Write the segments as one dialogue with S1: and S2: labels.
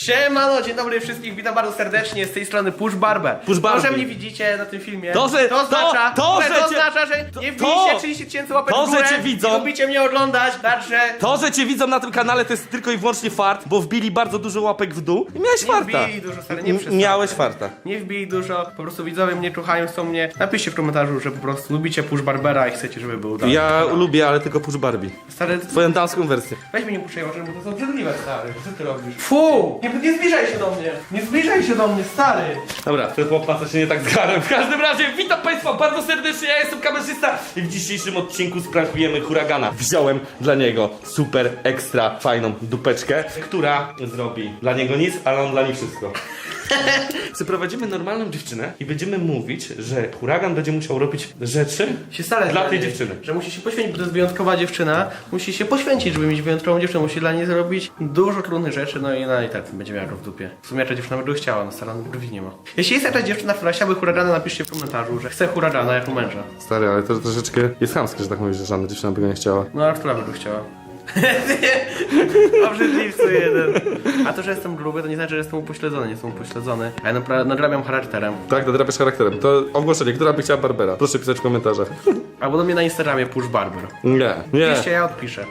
S1: Siemano, dzień dobry wszystkich, witam bardzo serdecznie, z tej strony Push Barber.
S2: Push Barbie.
S1: To, że mnie widzicie na tym filmie,
S2: To, że nie wbijcie
S1: 30 tysięcy łapek
S2: to,
S1: w górę
S2: że cię widzą.
S1: i lubicie mnie oglądać, także...
S2: To, że cię widzą na tym kanale, to jest tylko i wyłącznie fart, bo wbili bardzo dużo łapek w dół i miałeś farta.
S1: Nie wbij dużo, stary, nie przesadzaj.
S2: Miałeś farta.
S1: Nie wbij dużo, po prostu widzowie mnie czuchają, chcą mnie. Napiszcie w komentarzu, że po prostu lubicie Push Barbera i chcecie, żeby był dalej.
S2: Ja lubię, ale tylko Push Barbie.
S1: Stary,
S2: Twoją damską wersję.
S1: weź mnie nie puszczaj oczy, bo to są obrzydliwe, stary. Co ty robisz? Fu! Nie zbliżaj się do mnie! Nie zbliżaj się do mnie, stary!
S2: Dobra, ten chłopak się nie tak zgarłem. W każdym razie witam Państwa bardzo serdecznie, ja jestem kamerzysta i w dzisiejszym odcinku sprankujemy huragana. Wziąłem dla niego super ekstra fajną dupeczkę, która zrobi dla niego nic, ale on dla niej wszystko. Przyprowadzimy normalną dziewczynę i będziemy mówić, że huragan będzie musiał robić rzeczy dla tej dziewczyny.
S1: Że musi się poświęcić, bo to jest wyjątkowa dziewczyna. Musi się poświęcić, żeby mieć wyjątkową dziewczynę. Musi dla niej zrobić dużo trudnych rzeczy, no i ona i tak będzie miała go w dupie. W sumie ta dziewczyna by go chciała, no stara brwi nie ma. Jeśli jest jakaś dziewczyna, która chciałaby huragana, napiszcie w komentarzu, że chce huragana jako męża.
S2: Stary, ale to troszeczkę jest chamskie, że tak mówisz, że żadna dziewczyna by go nie chciała.
S1: No a która by go chciała? Obrzydliwcy jeden. A to, że jestem gruby, to nie znaczy, że jestem upośledzony. Nie jestem upośledzony. A ja nadrabiam charakterem.
S2: Tak, nadrabiasz charakterem. To ogłoszenie, która by chciała Barbera? Proszę pisać w komentarzach.
S1: Albo do mnie na Instagramie Push Barber.
S2: Nie.
S1: Piszcie, ja odpiszę.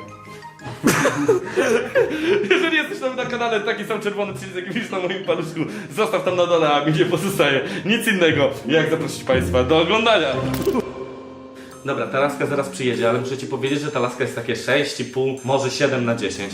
S2: Jeżeli jesteś tam na kanale, taki sam czerwony przycisk, jaki widzisz na moim paluszku, zostaw tam na dole, a mi nie pozostaje nic innego, jak zaprosić Państwa do oglądania. Dobra, ta laska zaraz przyjedzie, ale muszę Ci powiedzieć, że ta laska jest takie 6,5, może 7 na 10.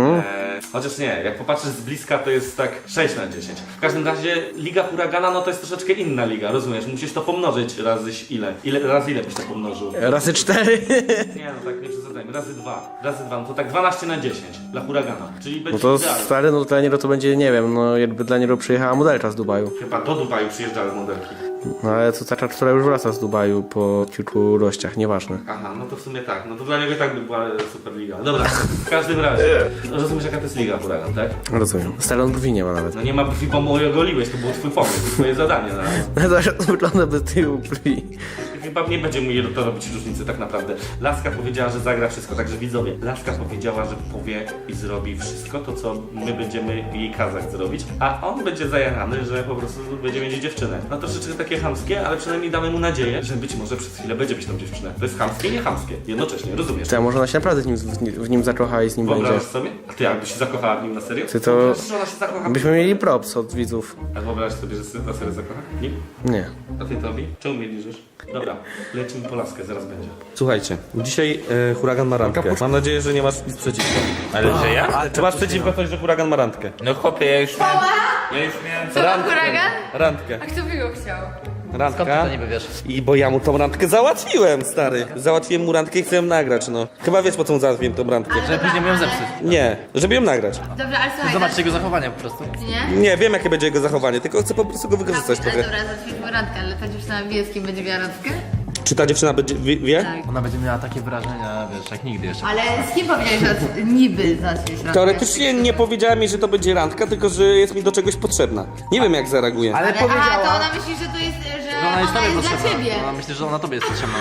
S2: Chociaż nie, jak popatrzysz z bliska, to jest tak 6 na 10. W każdym razie Liga Huragana, no to jest troszeczkę inna liga, rozumiesz? Musisz to pomnożyć razy razy ile byś to pomnożył?
S1: Razy 4.
S2: Nie, no tak, nie przesadzajmy, razy 2, no to tak 12 na 10 dla Huragana, czyli będzie
S1: No to
S2: idealnie.
S1: stary, no dla niego to będzie, nie wiem, no jakby dla niego przyjechała modelka z Dubaju.
S2: Chyba do Dubaju przyjeżdżały modelki.
S1: No ale to taka, która już wraca z Dubaju po kilku rościach, nieważne.
S2: Aha, no to w sumie tak, no to dla niego i tak by była Superliga. Dobra, w każdym razie, rozumiesz jaka to jest Liga Huragan, tak?
S1: Rozumiem. Stary, on brwi nie ma nawet.
S2: No nie ma brwi, bo mu je ogoliłeś, to był twój pomysł, to twoje zadanie. No.
S1: No to wygląda bez tyłu brwi.
S2: Chyba nie będzie mu to robić różnicy tak naprawdę. Laska powiedziała, że zagra wszystko, także widzowie, Laska powiedziała, że powie i zrobi wszystko to, co my będziemy jej kazać zrobić, a on będzie zajarany, że po prostu będzie mieć dziewczynę. No troszeczkę takie chamskie, ale przynajmniej damy mu nadzieję, że być może przez chwilę będzie mieć tą dziewczynę. To jest chamskie, nie chamskie, jednocześnie, rozumiesz?
S1: To może ona się naprawdę w nim zakocha i z nim będzie.
S2: Wyobrażasz sobie? A ty jakbyś się zakochała w nim na serio?
S1: Ty to-
S2: Wyobrażasz, że ona się zakocha?
S1: Byśmy mieli props od widzów.
S2: A wyobrażasz sobie, że się na serio zakocha? Nie?
S1: Nie.
S2: A ty Tobi? Czemu mnie liżysz? Dobra, lecimy po laskę, zaraz będzie. Słuchajcie, dzisiaj huragan ma randkę. Mam nadzieję, że nie masz nic przeciwko.
S3: Ale że ja?
S2: Czy masz przeciwko coś, że huragan ma randkę?
S3: No chłopie, ja już miałem...
S4: Co ma huragan?
S2: Randkę.
S4: A kto by go chciał?
S2: Randka.
S3: niby wiesz?
S2: I bo ja mu tą randkę załatwiłem, stary. Załatwiłem mu randkę i chcę ją nagrać, no. Chyba wiesz, po co mu załatwiłem tą randkę.
S3: Żeby później miałem zepsuć.
S2: Nie, żeby ją nagrać.
S4: Dobra, ale słuchaj.
S3: Zobaczcie jego zachowania po prostu.
S4: Nie?
S2: Nie, wiem jakie będzie jego zachowanie, tylko chcę po prostu go wykorzystać
S4: Ale
S2: trochę.
S4: dobra, zacznijmy randkę, ale ta dziewczyna wie, z kim będzie miała randkę?
S2: Czy ta dziewczyna będzie, wie?
S4: Tak.
S3: Ona będzie miała takie wrażenia, wiesz, jak nigdy jeszcze.
S4: Ale z kim powiedziałeś, że niby zaczniesz randkę?
S2: Teoretycznie nie powiedziała mi, że to będzie randka, tylko że jest mi do czegoś potrzebna. Nie wiem jak zareaguje.
S3: Ale
S4: Aha, to ona myśli, że to jest, że
S3: Ona jest tobie
S4: dla
S3: potrzebna.
S4: ciebie.
S3: Ona myśli, że ona tobie jest potrzebna.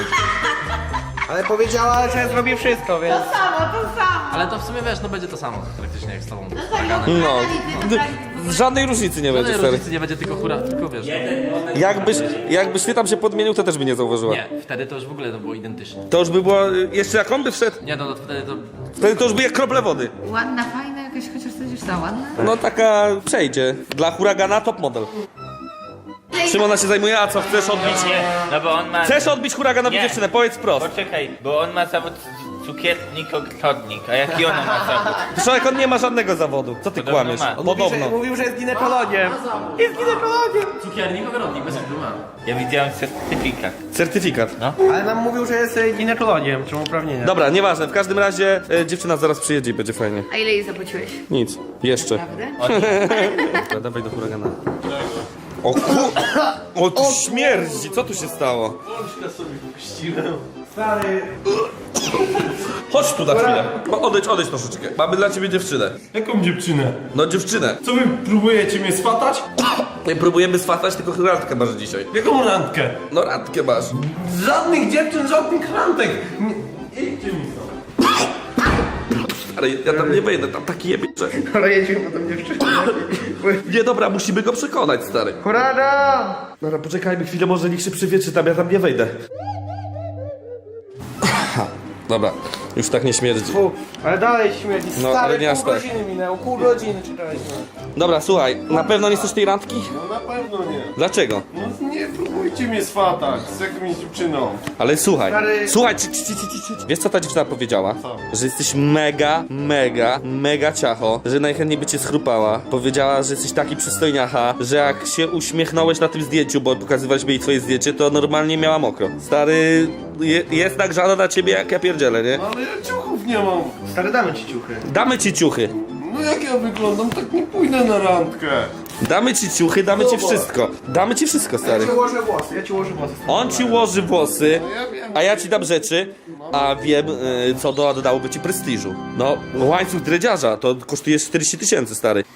S1: Ale powiedziała, że zrobi wszystko, więc...
S4: To samo.
S3: Ale to w sumie wiesz, no będzie to samo praktycznie jak z tobą.
S4: No tak, no
S2: No,
S4: no.
S2: żadnej różnicy nie będzie,
S3: Żadnej
S2: stary.
S3: różnicy nie będzie, tylko tylko wiesz.
S2: Jakbyś ty tam się podmienił, to też by nie zauważyła.
S3: Nie, wtedy to już w ogóle to było identyczne.
S2: To już by było, jeszcze jak on by wszedł,
S3: Nie, no wtedy to...
S2: wtedy to już by jak krople wody.
S4: Ładna, fajna, jakaś chociaż ta dziewczyna ładna.
S2: No taka przejdzie. Dla huragana top model. Czym ona się zajmuje, a co chcesz odbić?
S5: Nie, no bo on ma...
S2: Chcesz odbić huraganowi
S5: Nie.
S2: dziewczynę, powiedz wprost.
S5: Poczekaj, bo on ma zawód cukiernik-ogrodnik, a jaki ona ma zawód?
S2: Człowiek, on nie ma żadnego zawodu. Co ty
S5: Podobno
S2: kłamiesz?
S5: ma.
S2: Podobno.
S1: Mówił, że jest ginekologiem. Jest ginekologiem.
S3: Cukiernik, ogrodnik, bez problemu.
S5: Ja widziałem certyfikat.
S2: Certyfikat.
S1: Ale nam mówił, że jest ginekologiem, czemu uprawnienia.
S2: Dobra, nieważne, w każdym razie dziewczyna zaraz przyjedzie i będzie fajnie.
S4: A ile jej zapłaciłeś?
S2: Nic, jeszcze.
S4: Prawda?
S2: Dobra, dawaj do huragana. O tu śmierdzi, co tu się stało?
S1: Stary...
S2: Chodź tu na chwilę. Odejdź troszeczkę. Mamy dla ciebie dziewczynę.
S6: Jaką dziewczynę?
S2: No dziewczynę.
S6: Co wy próbujecie mnie swatać?
S2: Nie próbujemy swatać, tylko randkę masz dzisiaj.
S6: Jaką randkę?
S2: No randkę masz.
S6: Żadnych dziewczyn, żadnych randek! Idźcie mi stąd.
S2: Ale ja tam nie wejdę, tam taki jebie, że...
S1: Ale jedziemy po tą dziewczynę.
S2: Nie, dobra, musimy go przekonać, stary.
S1: Hurada!
S2: Dobra, poczekajmy chwilę, może niech się przywietrzy tam, ja tam nie wejdę. Dobra, już tak nie śmierdzi.
S1: Fu, ale dalej śmierdzi.
S2: No,
S1: Stary,
S2: ale nie aż
S1: pół
S2: tak.
S1: godziny minęło, pół godziny czekaliśmy.
S2: Dobra, słuchaj, na pewno nie chcesz tej randki?
S6: No na pewno nie.
S2: Dlaczego?
S6: No nie próbujcie mnie swatać z jakąś dziewczyną.
S2: Ale słuchaj,
S1: Stary-
S2: słuchaj, wiesz co ta dziewczyna powiedziała? Że jesteś mega ciacho, że najchętniej by cię schrupała. Powiedziała, że jesteś taki przystojniacha, że jak się uśmiechnąłeś na tym zdjęciu, bo pokazywaliśmy jej twoje zdjęcie, to normalnie miała mokro. Stary, jest nagrzana na ciebie jak ja pierdzielę, nie?
S6: No ale ja ciuchów nie mam.
S1: Stary, damy ci ciuchy.
S2: Damy ci ciuchy.
S6: No jak ja wyglądam, tak nie pójdę na randkę.
S2: Damy ci ciuchy, damy ci wszystko. Damy ci wszystko,
S1: Ja
S2: stary.
S1: ci ułożę włosy,
S2: On ci ułoży włosy,
S6: No ja wiem.
S2: a ja ci dam rzeczy, a wiem, co dodałoby ci prestiżu. No, łańcuch dredziarza to kosztuje 40 000, stary.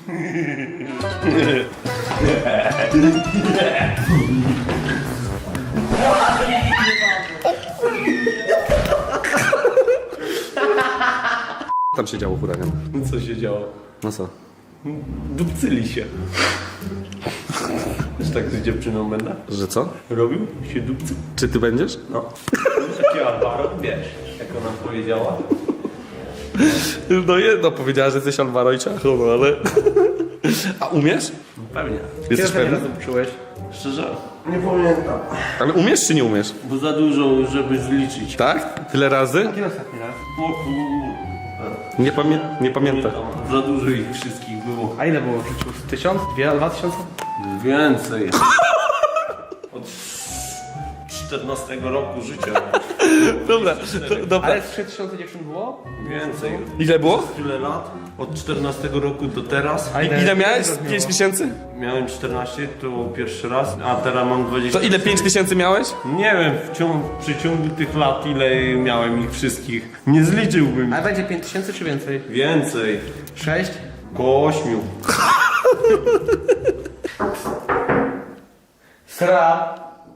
S2: Tam się działo huragan.
S6: Co się działo?
S2: No co?
S6: Dupcyli się. Też tak z dziewczyną będę
S2: Że co?
S6: robił? Się dupcy.
S2: Czy ty będziesz?
S6: No. Taki Alvaro, wiesz, jak ona powiedziała.
S2: No jedno, powiedziała, że jesteś Alvaro i ciacho, no ale... A umiesz?
S6: Pewnie.
S2: Jesteś
S1: Kiedy
S2: pewny?
S1: razem czułeś?
S6: Szczerze? Nie pamiętam.
S2: Ale umiesz czy nie umiesz?
S6: Bo za dużo, żeby zliczyć.
S2: Tak? Tyle razy?
S1: Kiedy ostatni raz?
S6: O kur...
S2: Nie pamiętam.
S6: Za dużo ich wszystkich było.
S1: A ile było w życiu? 1000? 2000?
S6: Więcej. Od 14 roku życia.
S2: Dobra, dobra.
S1: Ale z 3000 dziewczyn było?
S6: Więcej.
S2: Ile było?
S6: Tyle lat. Od 14 roku do teraz.
S1: A
S2: Ile miałeś?
S1: robiło?
S2: 5 miesięcy?
S6: Miałem 14, to był pierwszy raz, a teraz mam 20.
S2: To ile 5 miesięcy miałeś?
S6: Nie wiem, w przeciągu tych lat ile miałem ich wszystkich. Nie zliczyłbym.
S1: Ale będzie 5000 czy więcej?
S6: Więcej.
S1: 6?
S6: Koło 8.
S1: Sra.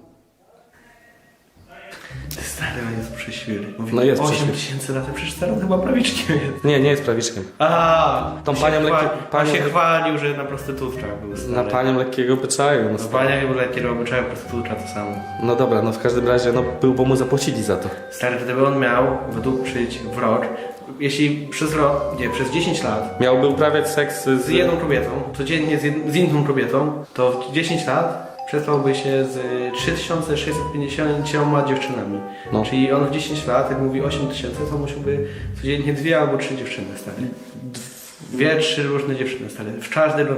S1: Stary, on jest przeświry. Mówi,
S2: No jest
S1: 8000 lat, przecież stary on chyba prawiczkiem jest.
S2: Nie jest prawiczkiem.
S1: A,
S2: Tą panią
S1: on się chwalił, że na prostytutkach był stary.
S2: Na panią lekkiego obyczaju. No,
S1: No pania był lekkiego obyczaju, prostytutka to samo.
S2: no dobra, no w każdym razie, no był, bo mu zapłacili za to.
S1: Stary, gdyby on miał wydłużyć w rok, jeśli przez rok, nie, przez 10 lat
S2: Miałby uprawiać seks
S1: z jedną kobietą, codziennie z inną kobietą, to w 10 lat przespałby się z 3650 dziewczynami.
S2: No.
S1: Czyli on w 10 lat, jak mówi 8000, to musiałby codziennie 2 albo 3 dziewczyny, stary. 2-3 różne dziewczyny, stary. W każdego.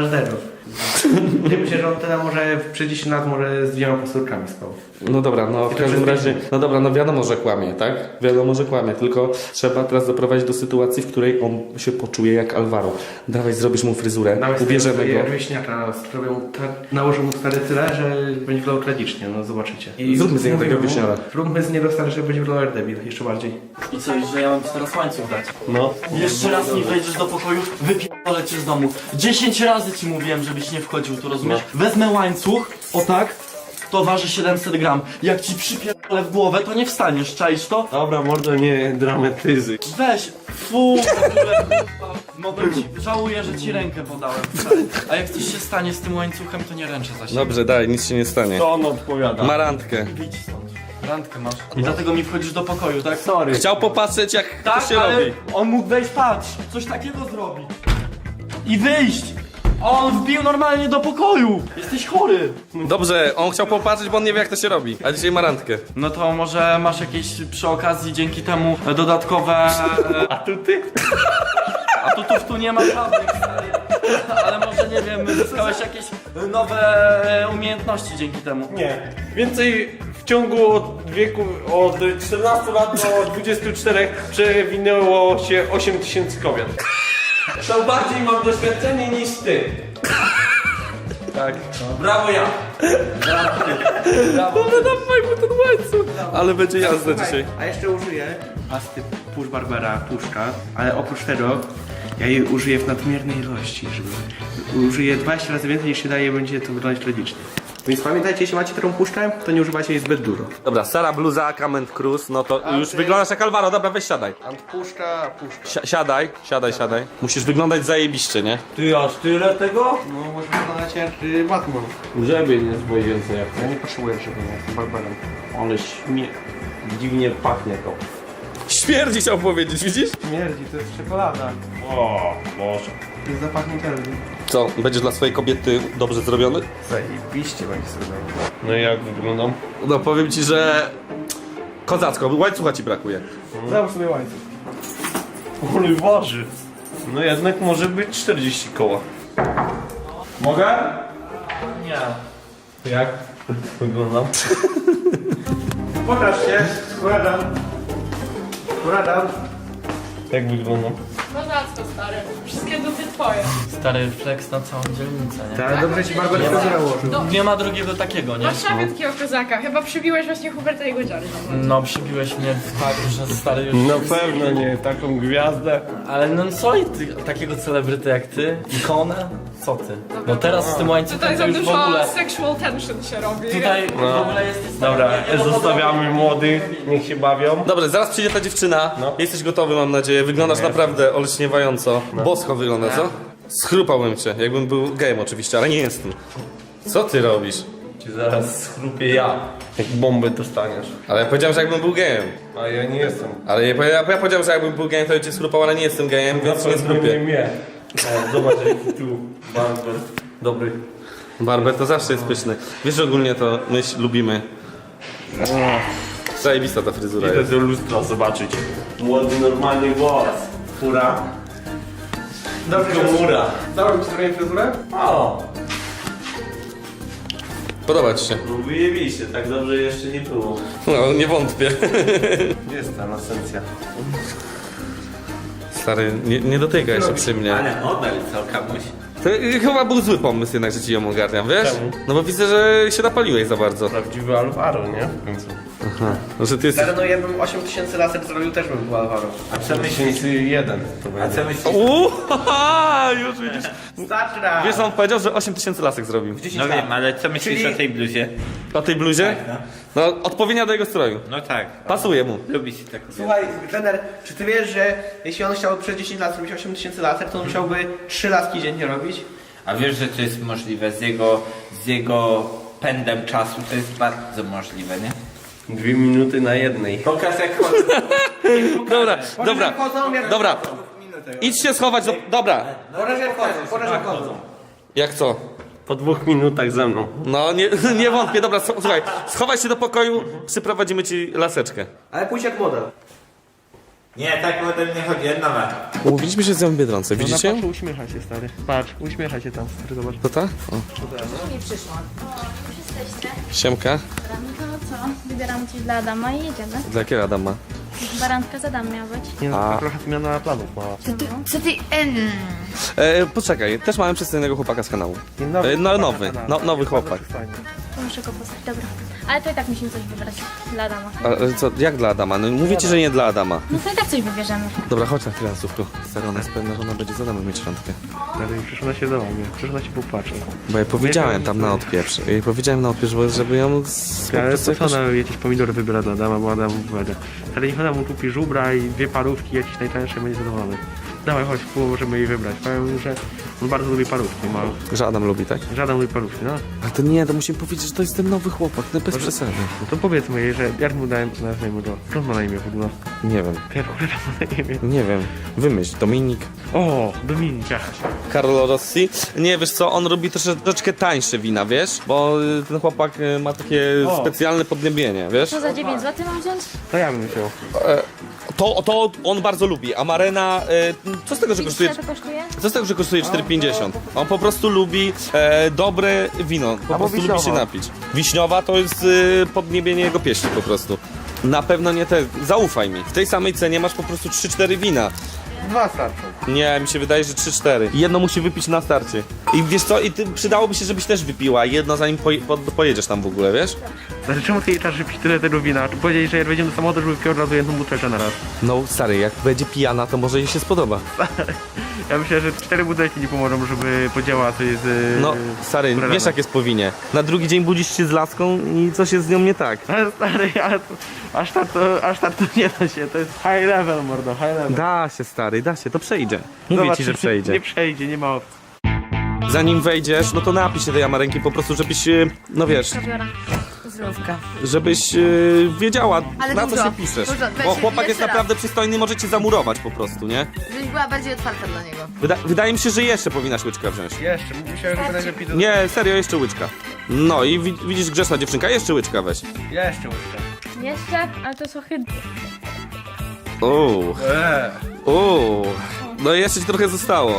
S1: Nie myślę, że on tyle może przez 10 lat może z 2 pasturkami spał.
S2: No dobra, no w
S1: to
S2: każdym
S1: przez
S2: razie, no dobra, no wiadomo, że kłamie, tak? Wiadomo, że kłamie, tylko trzeba teraz doprowadzić do sytuacji, w której on się poczuje jak Alvaro. Dawaj, zrobisz mu fryzurę, ubierzemy go.
S1: Wieśniaka, nałożę mu stary tyle, że będzie wyglądał tragicznie, no zobaczycie.
S2: Zróbmy z niego takiego wieśniara.
S1: Zróbmy z niego stary, że będzie wyglądał jak debil, jeszcze bardziej.
S3: I co, że ja mam ci teraz łańcuch dać?
S6: No.
S3: Jeszcze raz nie wejdziesz do pokoju, wypierdolę cię z domu. 10 razy ci mówiłem, żebyś nie wchodził, tu rozumiesz? Wezmę łańcuch, o tak, to waży 700 gram. Jak ci przypierdolę w głowę, to nie wstaniesz, czaisz to?
S6: Dobra, mordo, nie dramatyzy.
S3: Weź, fu, w ogóle, kurwa. Mogę ci, żałuję, że ci rękę podałem. A jak coś się stanie z tym łańcuchem, to nie ręczę za siebie.
S2: Dobrze, daj, nic się nie stanie.
S6: To on odpowiada.
S2: Ma randkę.
S3: Wyjdź stąd. Randkę masz. I dlatego mi wchodzisz do pokoju, tak?
S6: Sorry.
S2: Chciał popatrzeć, jak
S3: Tak,
S2: to się
S3: ale
S2: robi.
S3: on mógł wejść, patrz, coś takiego zrobić. I wyjść. A on wbił normalnie do pokoju. Jesteś chory.
S2: Dobrze, on chciał popatrzeć, bo on nie wie, jak to się robi. A dzisiaj ma randkę.
S3: No to może masz jakieś przy okazji dzięki temu dodatkowe...
S6: Atuty?
S3: Atutów tu nie ma żadnych, stary. Ale może, nie wiem, zyskałeś jakieś nowe umiejętności dzięki temu.
S6: Nie. Więcej w ciągu od 14 lat do 24 przewinęło się 8000 kobiet. To bardziej mam doświadczenie niż ty.
S2: Tak.
S6: Brawo ja.
S2: Brawo. Dawaj mu ten łańcuch. Ale będzie jazda dzisiaj.
S1: A jeszcze użyję pasty Push Barbera Puszka, ale oprócz tego ja jej użyję w nadmiernej ilości, żeby użyję 20 razy więcej niż się daje, będzie to wyglądać tragicznie. Więc pamiętajcie, jeśli macie taką puszczę, to nie używajcie jej zbyt dużo.
S2: Dobra, Sara bluza, Kament Cruz, no to już wyglądasz jak Alvaro, dobra, weź siadaj.
S1: Puszcza.
S2: Siadaj. Musisz wyglądać zajebiście, nie?
S6: Ty aż tyle tego?
S1: No, może wyglądać jak Batman.
S6: Grzebień jest więcej jak
S1: Ja nie potrzebuję, żeby nie jestem barbarem.
S6: ale dziwnie pachnie to.
S2: Śmierdzi chciał powiedzieć, widzisz?
S1: Śmierdzi, to jest czekolada.
S6: O, Boże.
S1: To jest zapach Nutelli.
S2: Co, będziesz dla swojej kobiety dobrze zrobiony?
S1: Zajebiście będzie zrobione.
S6: No i jak wyglądam?
S2: No powiem ci, że... Kozacko, łańcucha ci brakuje.
S1: Załóż sobie łańcuch.
S6: Ale waży. No jednak może być 40 koła. Mogę?
S3: Nie.
S6: Jak wyglądam?
S1: Pokaż się, składam.
S6: Jak wyglądam?
S7: Kozacko, stary. Wszystkie dupy twoje.
S3: Stary flex na całą dzielnicę, nie?
S1: Tak, dobrze ci Barbar fryzurę ułożył.
S3: Nie ma drugiego takiego, nie?
S7: Masz szafę takiego kozaka. Chyba przybiłeś właśnie Huberta i Godziary.
S3: No przybiłeś mnie tak, że stary już...
S6: Na pewno nie, taką gwiazdę.
S3: Ale no co i ty, takiego celebryty jak ty? Ikonę? Co ty? No teraz z tym łańcuchem
S7: Tutaj
S3: to
S7: za
S3: już w
S7: dużo
S3: ogóle...
S7: sexual tension się robi.
S3: Tutaj w ogóle jest...
S6: Dobra, zostawiamy młodych, niech się bawią.
S2: Dobra, zaraz przyjdzie ta dziewczyna.
S6: No.
S2: Jesteś gotowy, mam nadzieję. Wyglądasz naprawdę olśniewająco. Bosko wygląda, co? Schrupałbym cię, jakbym był gejem oczywiście, ale nie jestem. Co ty robisz?
S6: Ci zaraz schrupię ja, jak bombę dostaniesz.
S2: Ale ja powiedziałem, że jakbym był gejem.
S6: A ja nie jestem.
S2: Ale ja powiedziałem, że jakbym był gejem, to cię schrupał, ale nie jestem gejem, więc nie schrupię.
S6: mnie. O, zobacz jaki tu barber. Dobry.
S2: Barber to zawsze jest pyszny. Wiesz, że ogólnie to my lubimy. Zajebista ta fryzura
S6: Idę
S2: jest.
S6: do lustra zobaczyć. Młody, normalny głos. Fura.
S1: Dobrze,
S6: Komura.
S1: Dałem ci zrobić fryzurę?
S6: O,
S2: Podoba ci się?
S6: no wyjebiście, tak dobrze jeszcze nie było.
S2: No, nie wątpię.
S6: Gdzie jest ta esencja?
S2: Stary, nie dotykaj się przy mnie.
S5: Ale model co, kamuś.
S2: To chyba był zły pomysł jednak, że ci ją ogarniam, wiesz?
S6: Czemu?
S2: No bo widzę, że się napaliłeś za bardzo.
S6: Prawdziwy Alvaro, nie? W końcu.
S2: No, że ty jesteś...
S1: Ale no jakbym 8000 laser zrobił, też bym był Alvaro.
S5: A co myślisz?
S6: 1001 to
S5: A
S6: będzie.
S5: co myślisz?
S2: Już widzisz.
S1: Starczy raz.
S2: Wiesz, on powiedział, że 8000 lasek zrobił.
S5: No wiem, ale co myślisz
S1: Czyli-
S5: o tej bluzie?
S2: O tej bluzie? No, odpowiednia do jego stroju.
S5: No tak.
S2: Pasuje mu.
S5: Lubi się tak.
S1: Słuchaj, trener, czy ty wiesz, że jeśli on chciał przez 10 lat zrobić 8000 laser, to on musiałby 3 laski dziennie robić?
S5: A wiesz, że to jest możliwe z jego pędem czasu, to jest bardzo możliwe, nie?
S6: 2 minuty na jednej.
S5: Pokaż jak chodzę.
S2: Dobra. Idź się schować do... Dobra.
S1: Pokaż jak chodzą.
S2: Jak co?
S6: Po 2 minutach ze mną.
S2: No, nie wątpię. Dobra, słuchaj. Schowaj się do pokoju, przyprowadzimy ci laseczkę.
S1: Ale pójdź jak model.
S5: Nie, tak ode mnie chodzi, jedna ma.
S2: Umówiliśmy się z nią w Biedronce, widzicie ją?
S1: Uśmiecha się, stary. Patrz, uśmiecha się tam, stary, zobacz.
S2: To ta? O.
S8: Nie przyszłam. Już jesteście.
S2: Siemka.
S8: Dobra, no to co? Wybieram coś dla Adama i jedziemy.
S2: Dla jakiego Adama?
S8: Barantka z Adam miała być.
S1: Nie
S2: A.
S1: no, trochę zmiana planów mała.
S8: Co ty...
S2: Poczekaj, też mamy przystojnego chłopaka z kanału. Nowy chłopak.
S8: To muszę go poznać, dobra. Ale to i tak musimy coś wybrać dla Adama.
S2: Ale co, jak dla Adama? No mówię ci, że nie dla Adama.
S8: No to i tak coś wybierzemy.
S2: Dobra, chodź na chwilę, Słówku. Stara, ona jest pewna, że ona będzie z Adamem mieć randkę.
S1: Ale przyszła na się do mnie, przyszła się popatrzeć.
S2: Bo ja powiedziałem tam na odpieprz. Ja jej powiedziałem na odpieprz, żeby ją...
S1: Ale to co ona jakieś pomidory wybiera dla Adama, bo Adam wybiera. Ale niech ona mu kupi żubra i 2 parówki, jakieś najtańsze, będzie zadowolony. Dawaj, chodź, możemy jej wybrać. Powiem, że on bardzo lubi parówki, ma.
S2: Że Adam lubi, tak?
S1: Żaden lubi parówki, no.
S2: Ale to nie, to musimy powiedzieć, że to jest ten nowy chłopak, no bez przesady.
S1: No to powiedzmy jej, że jak mu nazwijmy go. Co on ma na imię w ogóle?
S2: Nie wiem,
S1: Ja w ogóle tam ma na imię.
S2: nie wiem. Wymyśl, Dominik.
S1: O, Dominika.
S2: Carlo Rossi. Nie, wiesz co, on robi troszeczkę tańsze wina, wiesz? Bo ten chłopak ma takie specjalne podniebienie, wiesz?
S8: Co za 9 zł mam wziąć?
S1: To ja bym wziął.
S2: To on bardzo lubi. Amarena, co z tego, że kosztuje...
S8: Ile to kosztuje?
S2: Co z tego, że kosztuje 4,50? On po prostu lubi dobre wino. Po prostu lubi się napić. Wiśniowa to jest podniebienie jego pieśni po prostu. Na pewno nie te. Zaufaj mi. W tej samej cenie masz po prostu 3-4 wina.
S1: 2 starczą.
S2: Nie, mi się wydaje, że 3-4. Jedno musi wypić na starcie. I wiesz co, przydałoby się, żebyś też wypiła jedno, zanim pojedziesz tam w ogóle, wiesz?
S1: Znaczy czemu ty jej czas wypić tyle tego wina? Czy powiedzieli, że jak wejdziemy do samochodu, żeby wypił od razu jedną butelkę na raz?
S2: No stary, jak będzie pijana, to może jej się spodoba.
S1: Ja myślę, że 4 butelki nie pomogą, żeby podziałała coś z...
S2: No, stary, wiesz jak jest powinie. Na drugi dzień budzisz się z laską i coś jest z nią nie tak.
S1: Ale stary, aż tak to nie da się, to jest high level, mordo, high level.
S2: Da się, stary, da się, to przejdzie. Mówię
S1: Zobacz,
S2: ci, że przejdzie.
S1: Nie przejdzie, nie ma opcji.
S2: Zanim wejdziesz, no to napij się tej amarenki po prostu, żebyś, no wiesz,
S8: Kawiora.
S4: Zdrówka.
S2: żebyś wiedziała,
S4: Ale
S2: na co
S4: dużo,
S2: się piszesz.
S4: dużo. Weź
S2: Bo
S4: się
S2: chłopak jest
S4: jeszcze raz.
S2: naprawdę przystojny, może cię zamurować po prostu, nie?
S4: Żebyś była bardziej otwarta dla niego.
S2: Wydaje mi się, że jeszcze powinnaś łyczka wziąć.
S1: Jeszcze, myślałem, że najlepiej to...
S2: Nie, serio, jeszcze łyczka. No i widzisz, grzeczna dziewczynka, jeszcze łyczka weź.
S1: Jeszcze łyżkę.
S8: Jeszcze, ale to jest ohydne.
S2: No i jeszcze ci trochę zostało.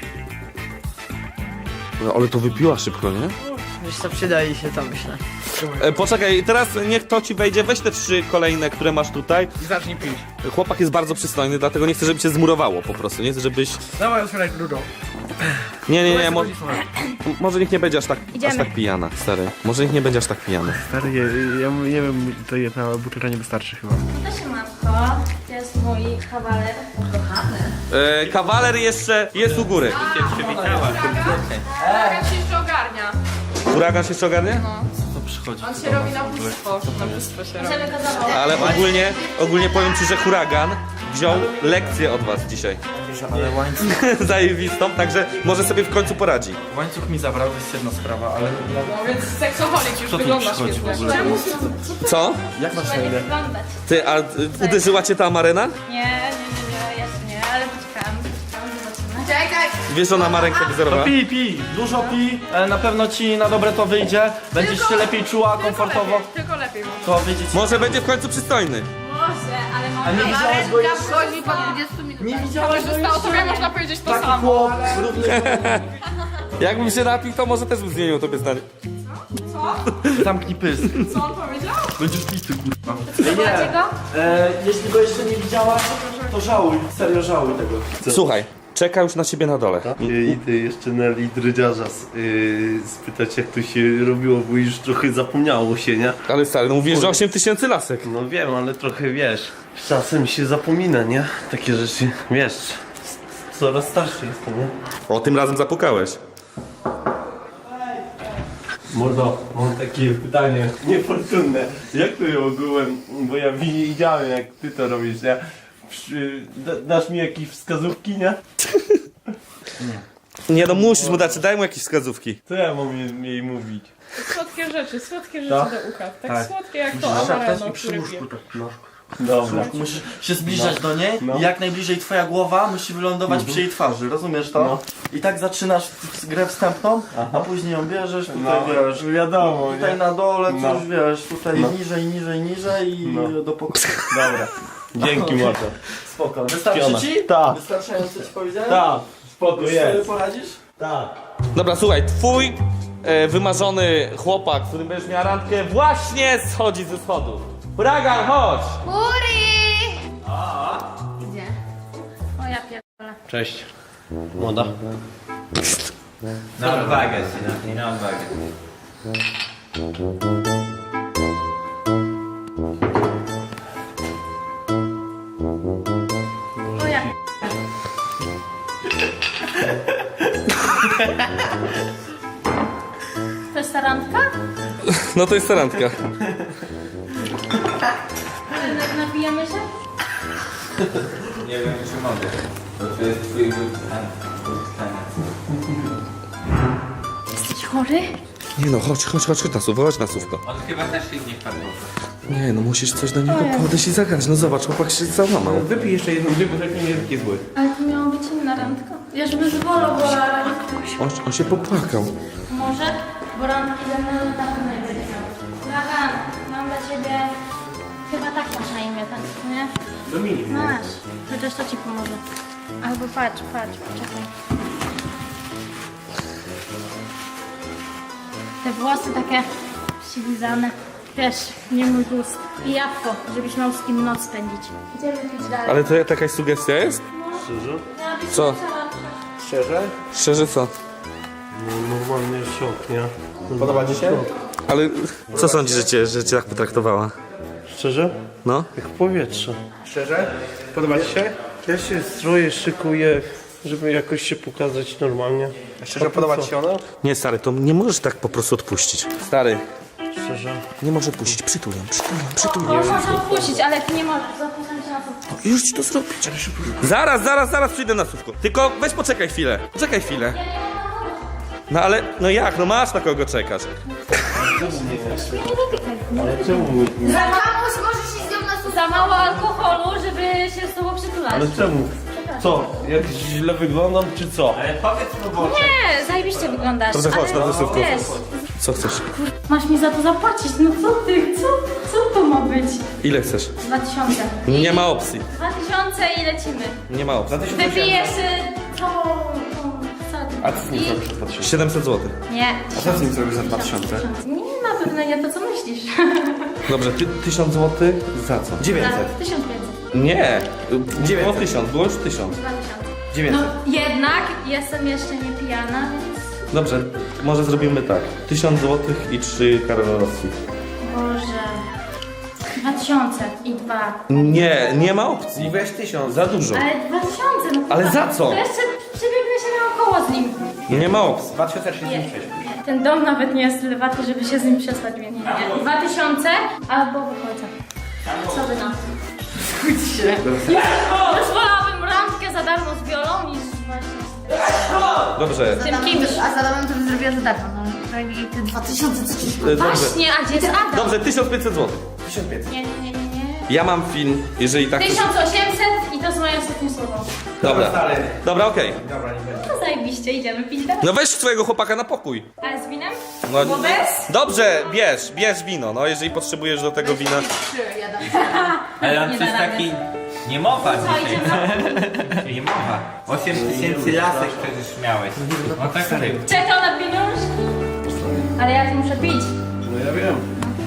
S2: No, ale to wypiła szybko, nie?
S4: Wiesz co, przydaje się to, myślę.
S2: Poczekaj, teraz niech to ci wejdzie, weź te 3 kolejne, które masz tutaj.
S1: I zacznij pić.
S2: Chłopak jest bardzo przystojny, dlatego nie chcę, żeby cię zmurowało po prostu, nie chcę, żebyś...
S1: Dawaj, otwieraj grudą.
S2: Nie, może niech nie będzie aż tak
S8: Idziemy.
S2: pijana, stary. Może niech nie będzie aż tak pijany.
S1: Stary, ja nie wiem, to jedna butelka nie wystarczy chyba.
S8: To się matko. To jest mój kawaler.
S2: Kawaler jeszcze jest u góry.
S7: Huragan się jeszcze ogarnia.
S2: Huragan się jeszcze ogarnie?
S7: On się robi na bóstwo. Na bóstwo się robi.
S8: Możemy go zawołać.
S2: Ale ogólnie powiem ci, że huragan wziął lekcję od was dzisiaj.
S3: Ale łańcuch,
S2: Zajebistą, także może sobie w końcu poradzi.
S3: łańcuch mi zabrał, to jest jedna sprawa, ale
S7: No więc seksoholik już
S3: tu
S7: wygląda
S3: przychodzi w
S7: świetnie.
S3: ogóle?
S7: Czemu?
S2: Co?
S3: Jak masz na
S8: Będzie
S3: imię?
S8: wyglądać.
S2: Ty, a uderzyła cię ta amarena?
S8: Nie, jeszcze nie, ale poczekam, zobaczymy.
S4: Czekaj!
S2: Wiesz, ona ma rękę wzorową?
S3: Pij, dużo pij, na pewno ci na dobre to wyjdzie, będziesz się lepiej czuła, komfortowo,
S7: Tylko lepiej.
S3: to wyjdzie ci.
S2: Może będzie w końcu przystojny.
S8: Może, ale
S3: A
S8: mam...
S3: nie widziałaś go
S4: Ręka
S3: jeszcze?
S4: wchodzi po 20 minutach.
S3: Nie widziałaś go
S7: Zostało
S3: jeszcze?
S7: tobie, można powiedzieć to
S3: Taki
S7: samo.
S3: chłop, równy
S2: Jakbym się napił, to może też bym zmienił tobie zdanie.
S3: zamknij pysk.
S7: Co on powiedział?
S3: Będziesz bity, kurwa.
S8: Zobaczcie go?
S3: Jeśli go jeszcze nie widziałaś, to żałuj, serio żałuj tego.
S2: Słuchaj, czeka już na ciebie na dole.
S9: Idę jeszcze na lidrydziarza spytać jak to się robiło, bo już trochę zapomniało się, nie?
S2: Ale stary, no mówisz, że 8000 lasek.
S9: No wiem, ale trochę wiesz, czasem się zapomina, nie? Takie rzeczy, wiesz, coraz starszy jestem, nie?
S2: O, tym razem zapukałeś.
S9: Mordo, mam takie pytanie niefortunne. Jak to ją ogółem, bo ja widziałem jak ty to robisz, nie? Dasz mi jakieś wskazówki, nie?
S2: Nie no, musisz mu dać, daj mu jakieś wskazówki.
S9: Co ja mam jej mówić?
S7: Słodkie rzeczy do ucha. Tak słodkie jak to amareno, który wie.
S9: Dobra.
S3: Musisz się zbliżać do niej i jak najbliżej twoja głowa musi wylądować przy jej twarzy, rozumiesz to? I tak zaczynasz grę wstępną, a później ją bierzesz, tutaj wiesz,
S9: Wiadomo,
S3: tutaj
S9: nie?
S3: na dole
S9: No.
S3: coś wiesz, tutaj
S9: No.
S3: niżej i do pokoju.
S9: Dobra. Dzięki mordo.
S3: Spoko. Wystarczy ci?
S9: Tak.
S3: Wystarczająco ci powiedziałem?
S9: Tak. Spoko
S3: Już sobie
S9: jest.
S3: poradzisz?
S9: Tak.
S2: Dobra, słuchaj, twój wymarzony chłopak, z którym będziesz miała randkę, właśnie schodzi ze schodów. Huragan, chodź!
S8: Uri! Gdzie? O ja pierdolę.
S1: Cześć. Młoda.
S5: Na odwagę, syna, na odwagę.
S8: O ja To jest ta randka?
S2: No to jest ta randka.
S8: Napijemy się?
S5: Nie wiem, czy mogę. Bo to jest twój wybrany.
S8: Jesteś chory?
S2: Nie no, chodź na słówko.
S5: On chyba też się nie wpadł.
S2: Nie no, musisz coś do niego podejść i zagrać. No zobacz, chłopak się załamał.
S1: Wypij jeszcze jedną, dwie butelki, nie jest taki zły.
S8: Ale to miało być inna randka. Ja żeby zwolał, bo
S2: On się popłakał.
S8: może, bo randki ze mną na pewno nie będzie miał. Dragan, mam dla ciebie... Chyba tak masz na imię, tak, nie?
S1: Dominik.
S8: Masz. Chociaż to ci pomoże. Albo patrz, poczekaj. Te włosy takie przylizane. Wiesz, nie mój gust. I jabłko, żebyś miał z kim noc spędzić. Idziemy pić dalej.
S2: Ale to jakaś sugestia jest?
S8: Miała być
S2: Co?
S8: cała-
S1: Szczerze?
S2: Szczerze co?
S9: Normalnie szok, nie?
S1: Podoba ci się?
S2: Ale co sądzisz, że cię tak potraktowała?
S9: Szczerze?
S2: No?
S9: Jak powietrze.
S1: Szczerze? Podoba ci się?
S9: Ja się stroję, szykuję, żeby jakoś się pokazać normalnie.
S1: Szczerze, podoba ci się ono?
S2: Nie, stary, to nie możesz tak po prostu odpuścić. Stary,
S9: Szczerze.
S2: nie możesz odpuścić. Przytul ją.
S8: No, można odpuścić, ale ty nie możesz. Zapuszczam się na to.
S2: Już ci to zrobić. Zaraz przyjdę na słówko. Tylko weź poczekaj chwilę. Poczekaj chwilę. No ale, no jak? No masz na kogo czekasz.
S8: Za mało możesz iść z nią na słówko. Za mało alkoholu, żeby się z tobą przytulać.
S9: Ale czemu? Co? Jak źle wyglądam, czy co?
S5: Ale powiedz mu, bo...
S8: Nie, zajebiście wyglądasz.
S2: Dobrze, chodź
S8: ale
S2: na wysówkę.
S8: wiesz,
S2: Co chcesz?
S8: masz mi za to zapłacić. No co ty? Co to ma być?
S2: Ile chcesz?
S8: 2000.
S2: Nie ma opcji.
S8: 2000 i lecimy.
S2: Nie ma opcji.
S8: Wypijesz całą
S1: A co z nim zrobisz za 2000?
S2: 700 zł.
S8: Nie.
S1: A co z nim zrobisz za 2000?
S8: Nie, na pewno nie to, co myślisz.
S2: Dobrze, 1000 zł za co?
S1: 900.
S8: 1500.
S2: Nie. Było
S1: 900.
S2: 1000, było już 1000.
S8: 2000.
S1: 900.
S8: No jednak jestem jeszcze nie pijana, więc...
S2: Dobrze, może zrobimy tak. 1000 zł i 3 karolowski.
S8: Boże... 2000 i 2.
S2: Nie ma opcji.
S1: I weź 1000.
S2: Za dużo.
S8: Ale 2000, no to
S2: Ale za co?
S8: To jeszcze przebiegnę się naokoło z nim.
S2: Nie ma opcji.
S1: 2036.
S8: Nie. Ten dom nawet nie jest tyle warty, żeby się z nim przespać, więc nie. 2000 albo wychodzę. Co wy na to? Zgódź się. Już wolałabym randkę za darmo z Wiolą niż właśnie
S2: Dobrze.
S8: z tym kimś.
S4: A za domem to bym zrobiła za darmo. No i te 2000 co ci...
S2: Dobrze.
S8: Właśnie, a gdzie jest Adam?
S2: Dobrze, 1500 zł.
S1: 1500.
S8: Nie.
S2: Ja mam film, jeżeli tak...
S8: 1800 i to jest moje ostatnie słowo.
S2: Dobra.
S1: Stary.
S2: Dobra, okej.
S1: Dobra, nie będzie.
S8: No zajebiście, idziemy pić dalej.
S2: No weź swojego chłopaka na pokój.
S8: Ale z winem?
S2: No,
S8: Bo bez?
S2: dobrze, bierz wino, no jeżeli potrzebujesz do tego wina.
S5: Ale on
S8: Nie
S5: coś
S8: da rady.
S5: taki... Nie mowa
S8: Co,
S5: dzisiaj.
S8: idziemy?
S5: Nie mowa. 8000 lasek przecież miałeś. No tak ryb.
S8: Czekał na pieniążki. Ale ja tu muszę pić.
S9: No ja wiem.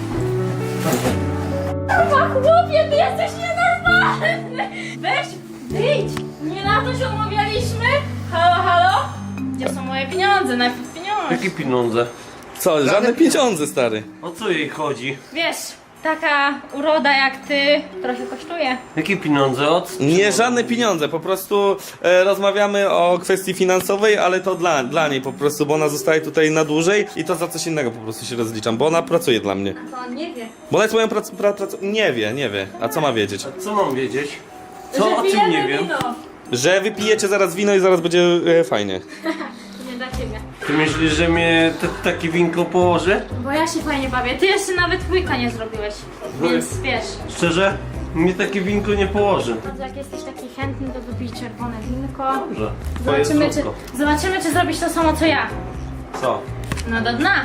S8: Chyba chłopie, ty jesteś nienormalny! Weź, wyjdź! Nie na to się umawialiśmy? Halo? Gdzie są moje pieniądze? Najpierw pieniądze.
S9: Jakie pieniądze?
S2: Co, żadne pieniądze, stary.
S9: O co jej chodzi?
S8: Wiesz, taka uroda jak ty trochę kosztuje.
S9: Jakie pieniądze? Od...
S2: Nie, żadne pieniądze, po prostu rozmawiamy o kwestii finansowej, ale to dla niej po prostu, bo ona zostaje tutaj na dłużej i to za coś innego po prostu się rozliczam, bo ona pracuje dla mnie.
S8: To on nie wie.
S2: Bo ona jest moją Nie wie. A co ma wiedzieć?
S9: Co mam wiedzieć?
S8: Że
S9: Co? O czym
S8: pijemy
S9: nie wiem?
S8: wino.
S2: Że wypijecie zaraz wino i zaraz będzie fajnie.
S8: Nie dla ciebie.
S9: Ty myślisz, że mnie takie winko położy?
S8: Bo ja się fajnie bawię. Ty jeszcze nawet łyka nie zrobiłeś. Więc wiesz.
S9: Szczerze? Mnie takie winko nie położy.
S8: No to jak jesteś taki chętny, to wypij czerwone winko.
S9: Dobrze. Twoje
S8: Zobaczymy, czy zrobisz to samo co ja.
S9: Co?
S8: No do dna.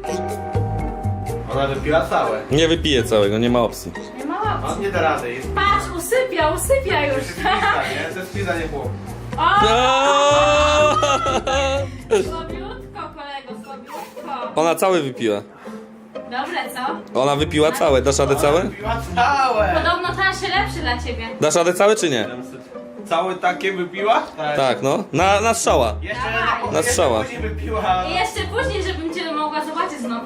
S1: Ona wypiła całe.
S2: Nie wypiję całego, nie ma opcji.
S8: Nie ma opcji.
S1: On nie da rady. Jest
S8: Patrz, usypia już.
S1: pizza, nie? To jest pizza, nie chłop.
S8: O!
S2: No!
S8: Słabiutko, kolego, słabiutko.
S2: Ona całe wypiła.
S8: Dobre, co?
S2: Ona wypiła całe. Dasz radę całe?
S1: Wypiła całe!
S8: Podobno tańszy lepszy dla ciebie.
S2: Dasz radę całe czy nie?
S9: Całe takie wypiła?
S2: Tak, no. Na strzała.
S1: Jeszcze
S8: Dawaj.
S2: Na strzała.
S1: później wypiła.
S8: I jeszcze później, żebym cię mogła zobaczyć znowu.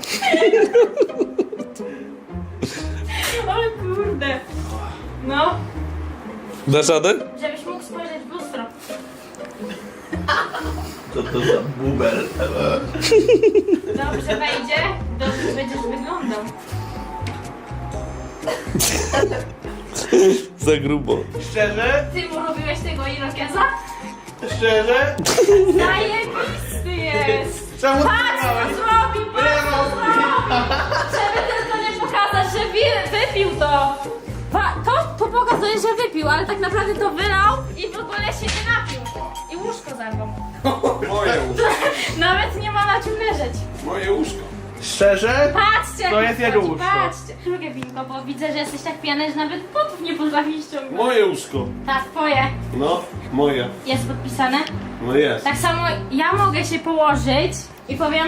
S8: O kurde. No,
S2: Dasz radę?
S8: żebyś mógł spojrzeć w lustro.
S9: Co to za bubel?
S8: Dobrze wejdzie, dobrze będziesz wyglądał.
S2: Za grubo.
S1: Szczerze?
S8: Ty mu robiłeś tego irokeza?
S1: Szczerze?
S8: Zajebisty jest!
S1: Czemu ty
S8: Patrz co zrobił, patrz co zrobił! Żeby tylko nie pokazać, że wypił to! To pokazuje, że wypił, ale tak naprawdę to wylał i w ogóle się nie napił. I łóżko zarwał.
S9: Moje łóżko.
S8: Nawet nie ma na czym leżeć.
S9: Moje łóżko.
S1: Szczerze?
S8: Patrzcie,
S1: To
S8: jak
S1: jest jego
S8: wchodzi,
S1: łóżko.
S8: patrzcie. Drugie winko, bo widzę, że jesteś tak pijany, że nawet potów nie potrafisz ściągnąć.
S9: Moje łóżko.
S8: Tak, twoje.
S9: No, moje.
S8: Jest podpisane.
S9: No jest.
S8: Tak samo ja mogę się położyć i powiem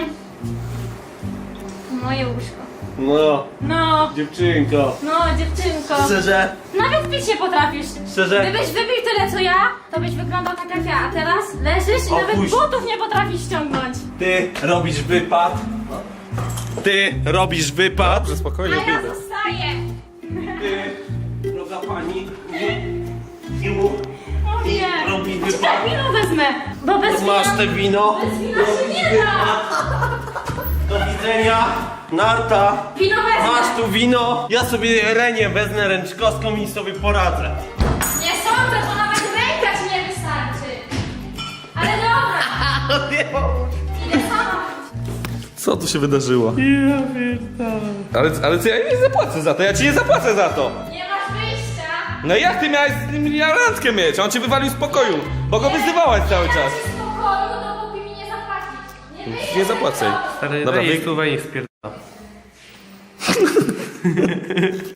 S8: moje łóżko.
S9: No,
S8: No,
S9: dziewczynko.
S8: no dziewczynko.
S1: Szczerze?
S8: Nawet ty się potrafisz.
S1: Szczerze?
S8: Gdybyś wypił tyle co ja, to byś wyglądał tak jak ja. A teraz leżysz i nawet
S9: Opuść.
S8: butów nie potrafisz ściągnąć.
S9: Ty robisz wypad. Ty robisz wypad.
S2: Dobrze, spokojnie.
S8: A ja zostaję.
S9: Ty, droga pani, nie mów.
S8: O Nie.
S9: Robi
S8: Czekaj, wino wezmę. Bo bez wina...
S9: Masz te wino.
S8: Bez wina się nie da.
S9: Do widzenia. Narta.
S8: Wino wezmę.
S9: Masz tu wino. Ja sobie Renię wezmę ręczkowską i sobie poradzę.
S8: Nie sądzę, bo nawet ręka ci nie wystarczy. Ale dobra. Idę sama.
S2: Co tu się wydarzyło? Ale co, ja nie zapłacę za to, ja ci nie zapłacę za to!
S8: Nie masz wyjścia.
S2: No jak ty miałeś z nim randkę mieć? On cię wywalił z pokoju, bo go wyzywałaś cały czas.
S8: Nie dam ci spokoju, dopóki mi nie zapłacisz. Nie wyjdziesz.
S2: Nie zapłacę.
S1: Stary,
S2: Dobra,
S1: daj jej
S2: wy-
S1: stówę i niech spierdala.